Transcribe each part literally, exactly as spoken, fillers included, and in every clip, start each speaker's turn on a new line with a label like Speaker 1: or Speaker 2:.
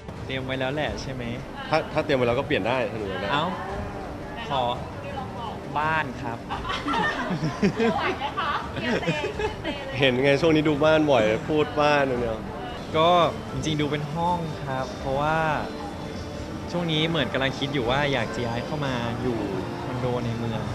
Speaker 1: เตรียมไว้แล้วแหละใช่ไหม
Speaker 2: ถ้าถ้าเตรียมไว้แล้วก็เปลี่ยนได้ถ้าหนูอยากได้
Speaker 1: เอ้าขอบ้านครับ
Speaker 2: เห็นไงช่วงนี้ดูบ้านบ่อยพูดบ้านเนี่ย
Speaker 1: ก็จริงๆดูเป็นห้องครับ เพราะว่าช่วงนี้เหมือนกำลังคิดอยู่ว่าอยากจะย้ายเข้ามาอยู่คอนโดในเมือง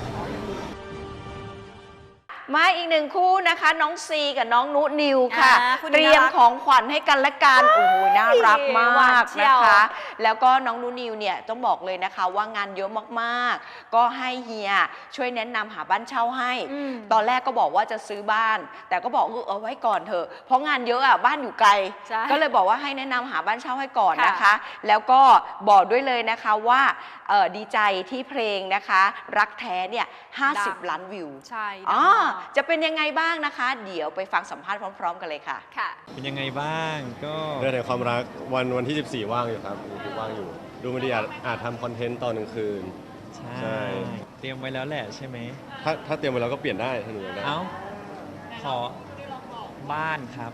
Speaker 3: มาอีกหนึ่งคู่นะคะน้องซีกับน้องนุนิวค่ะ
Speaker 4: อ่าคู่นี้
Speaker 3: เตรียม
Speaker 4: น่ารัก
Speaker 3: ของขวัญให้กันและกันโอ้โหน่ารักม
Speaker 4: หวา
Speaker 3: าน ก
Speaker 4: เชี
Speaker 3: นะ
Speaker 4: ยว
Speaker 3: คะ แล้วก็น้องนุนิวเนี่ยต้องบอกเลยนะคะว่างานเยอะมากๆ ก็ให้เฮียช่วยแนะนำหาบ้านเช่าให้
Speaker 4: อืม
Speaker 3: ตอนแรกก็บอกว่าจะซื้อบ้าน แต่ก็บอกเออเอาไว้ก่อนเถอะเพราะงานเยอะอ่ะบ้านอยู่ไกล
Speaker 4: ใช่
Speaker 3: ก็เลยบอกว่าให้แนะนำหาบ้านเช่าให้ก่อนนะคะ
Speaker 4: ค่ะ
Speaker 3: แล้วก็บอกด้วยเลยนะคะว่าเอ่อดีใจที่เพลงนะคะ รักแท้เนี่ยห้าสิบล้านวิว
Speaker 4: ใช่
Speaker 3: อ๋อ
Speaker 4: ดังมาก
Speaker 3: จะเป็นยังไงบ้างนะคะ เดี๋ยวไปฟังสัมภาษณ์พร้อม ๆ กันเลยค่ะ
Speaker 4: ค่ะ
Speaker 1: เป็นยังไงบ้างก็
Speaker 2: เรื่องในความรักวันวันที่สิบสี่ว่างอยู่ครับยังว่างอยู่ ดูมันดีอาจอาจทำคอนเทนต์ตอนกลางคืน
Speaker 1: ใช่
Speaker 2: ใช่
Speaker 1: เตรียมไว้แล้วแหละใช่ไหม
Speaker 2: ถ้าถ้าเตรียมไว้แล้วก็เปลี่ยนได้ถ้าหนูอยากได้
Speaker 1: เอ้าขอบ้านครับ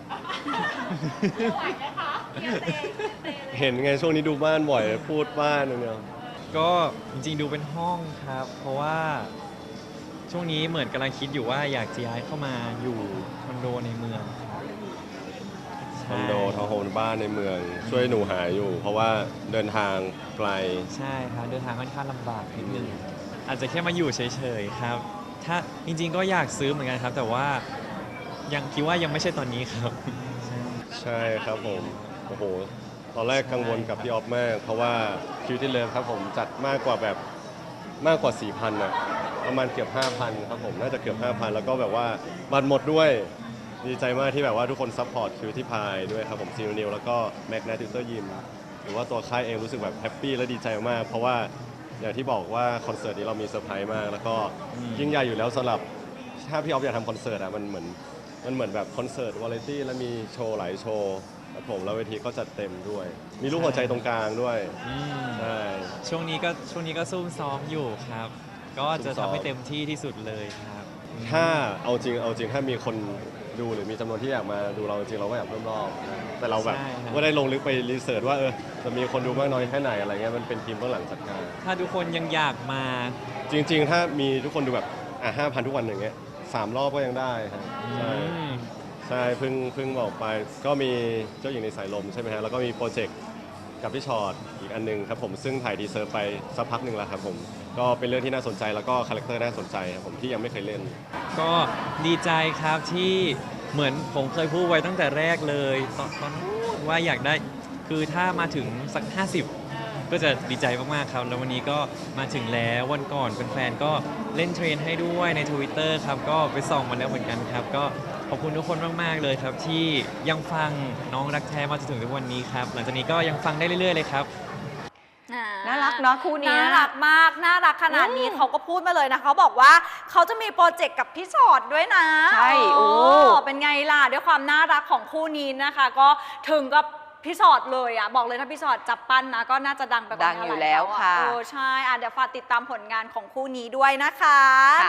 Speaker 2: เห็นไงช่วงนี้ดูบ้านบ่อยพูดบ้านเนี่ย
Speaker 1: ก็จริงๆดูเป็นห้องครับ เพราะว่าช่วงนี้เหมือนกำลังคิดอยู่ว่าอยากจะย้ายเข้ามาอยู่คอนโดในเมืองครับ
Speaker 2: คอนโดทาวน์โฮมบ้านในเมือง ช่วยหนูหาอยู่ เพราะว่าเดินทางไกล
Speaker 1: ใช่ครับเดินทางค่อนข้างลำบากนิดนึงอาจจะแค่มาอยู่เฉยๆครับ ถ้าจริงๆก็อยากซื้อเหมือนกันครับ แต่ว่ายังคิดว่ายังไม่ใช่ตอนนี้ครับใช่
Speaker 2: ใช่ครับผมโอ้โหตอนแรกกังวลกับพี่ออฟมาก เพราะว่าคิวที่เลิฟครับผมจัดมากกว่าแบบมากกว่า สี่พัน อ่ะประมาณเกือบ ห้าพัน ครับผมน่าจะเกือบ ห้าพัน แล้วก็แบบว่าบัตรหมดด้วยดีใจมากที่แบบว่าทุกคนซัพพอร์ตคิวที่พายด้วยครับผมซีนิวแล้วก็แม็กนาติวเตอร์ยิมหรือว่าตัวค่ายเองรู้สึกแบบแฮปปี้และดีใจมากเพราะว่าอย่างที่บอกว่าคอนเสิร์ตนี้เรามีเซอร์ไพรส์มาก แล้วก็ยิ่งใหญ่อยู่แล้วสำหรับถ้าพี่ออฟอยากทำคอนเสิร์ตอ่ะมันเหมือนมันเหมือนแบบคอนเสิร์ตวาไรตี้แล้วมีโชว์หลายโชว์ครับผมแล้วเวทีก็จัดเต็มด้วย มีรูปหัวใจตรงกลางด้วย
Speaker 1: อืม
Speaker 2: ใช่
Speaker 1: ช่วงนี้ก็ช่วงนี้ก็ซุ่มซ้อมอยู่ครับ ก็จะ
Speaker 2: ซุ่มซ้อ
Speaker 1: ทำ
Speaker 2: ม
Speaker 1: ให้เต็มที่ที่สุดเลยครับ
Speaker 2: ถ้าเอาจริงเอาจริงถ้ามีคนดูหรือมีจำนวนที่อยากมาดูเราจริงเราก็อยากเพิ่มรอบแต่เราแบบ
Speaker 1: ใช่ครับ
Speaker 2: ไม่ได้ลงลึกไปรีเสิร์ชว่าเออจะมีคนดูมากน้อยแค่ไหนอะไรเงี้ยมันเป็นทีมเบื้องหลังจัดการ
Speaker 1: ถ้าทุกคนยังอยากมา
Speaker 2: จริง ๆ ถ้ามีทุกคนดูแบบอ่ะห้าพันทุกวันอย่างเงี้ยสามรอบก็ยังได้ครับใช่
Speaker 1: อืม
Speaker 2: ใช่เพิ่งเพิ่งบอกไปก็มีเจ้าหญิงในสายลมใช่ไหมฮะแล้วก็มีโปรเจกต์กับพี่ชอตอีกอันหนึงครับผมซึ่งถ่ายทีเซอร์ไปสักพักหนึ่งแล้วครับผมก็เป็นเรื่องที่น่าสนใจแล้วก็คาแรคเตอร์น่าสนใจครับผมที่ยังไม่เคยเล่น
Speaker 1: ก็ดีใจครับที่เหมือนผมเคยพูดไว้ตั้งแต่แรกเลยตอนตอนนู้นว่าอยากได้คือถ้ามาถึงสัก ห้าสิบ ก็จะดีใจมากๆครับ แล้ววันนี้ก็มาถึงแล้ววันก่อนแฟนๆก็เล่นเทรนให้ด้วยใน Twitter ครับก็ไปส่องมาแล้วเหมือนกันครับ ก็ขอบคุณทุกคนมากๆเลยครับ ที่ยังฟังน้องรักแท้มาจนถึงทุกวันนี้ครับหลังจากนี้ก็ยังฟังได้เรื่อยๆเลยครับ
Speaker 3: น่ารักเนาะคู่เนี้ย
Speaker 4: น่ารักมาก น่ารักขนาดนี้เขาก็พูดมาเลยนะเขาบอกว่าเขาจะมีโปรเจกต์กับพี่ชอตด้วยนะ
Speaker 3: ใช่โอ้
Speaker 4: เป็นไงล่ะด้วยความน่ารักของคู่นี้นะคะ ก็ถึงกับพี่ชอตเลยอ่ะบอกเลยถ้าพี่ชอตจับปั้นนะก็น่าจะดังไปกว่า
Speaker 3: ดัง
Speaker 4: นี้
Speaker 3: อยู่
Speaker 4: หา
Speaker 3: แล้ว
Speaker 4: เท่า
Speaker 3: ค่ะ
Speaker 4: เออใช่อ่ะเดี๋ยวฝากติดตามผลงานของคู่นี้ด้วยนะคะ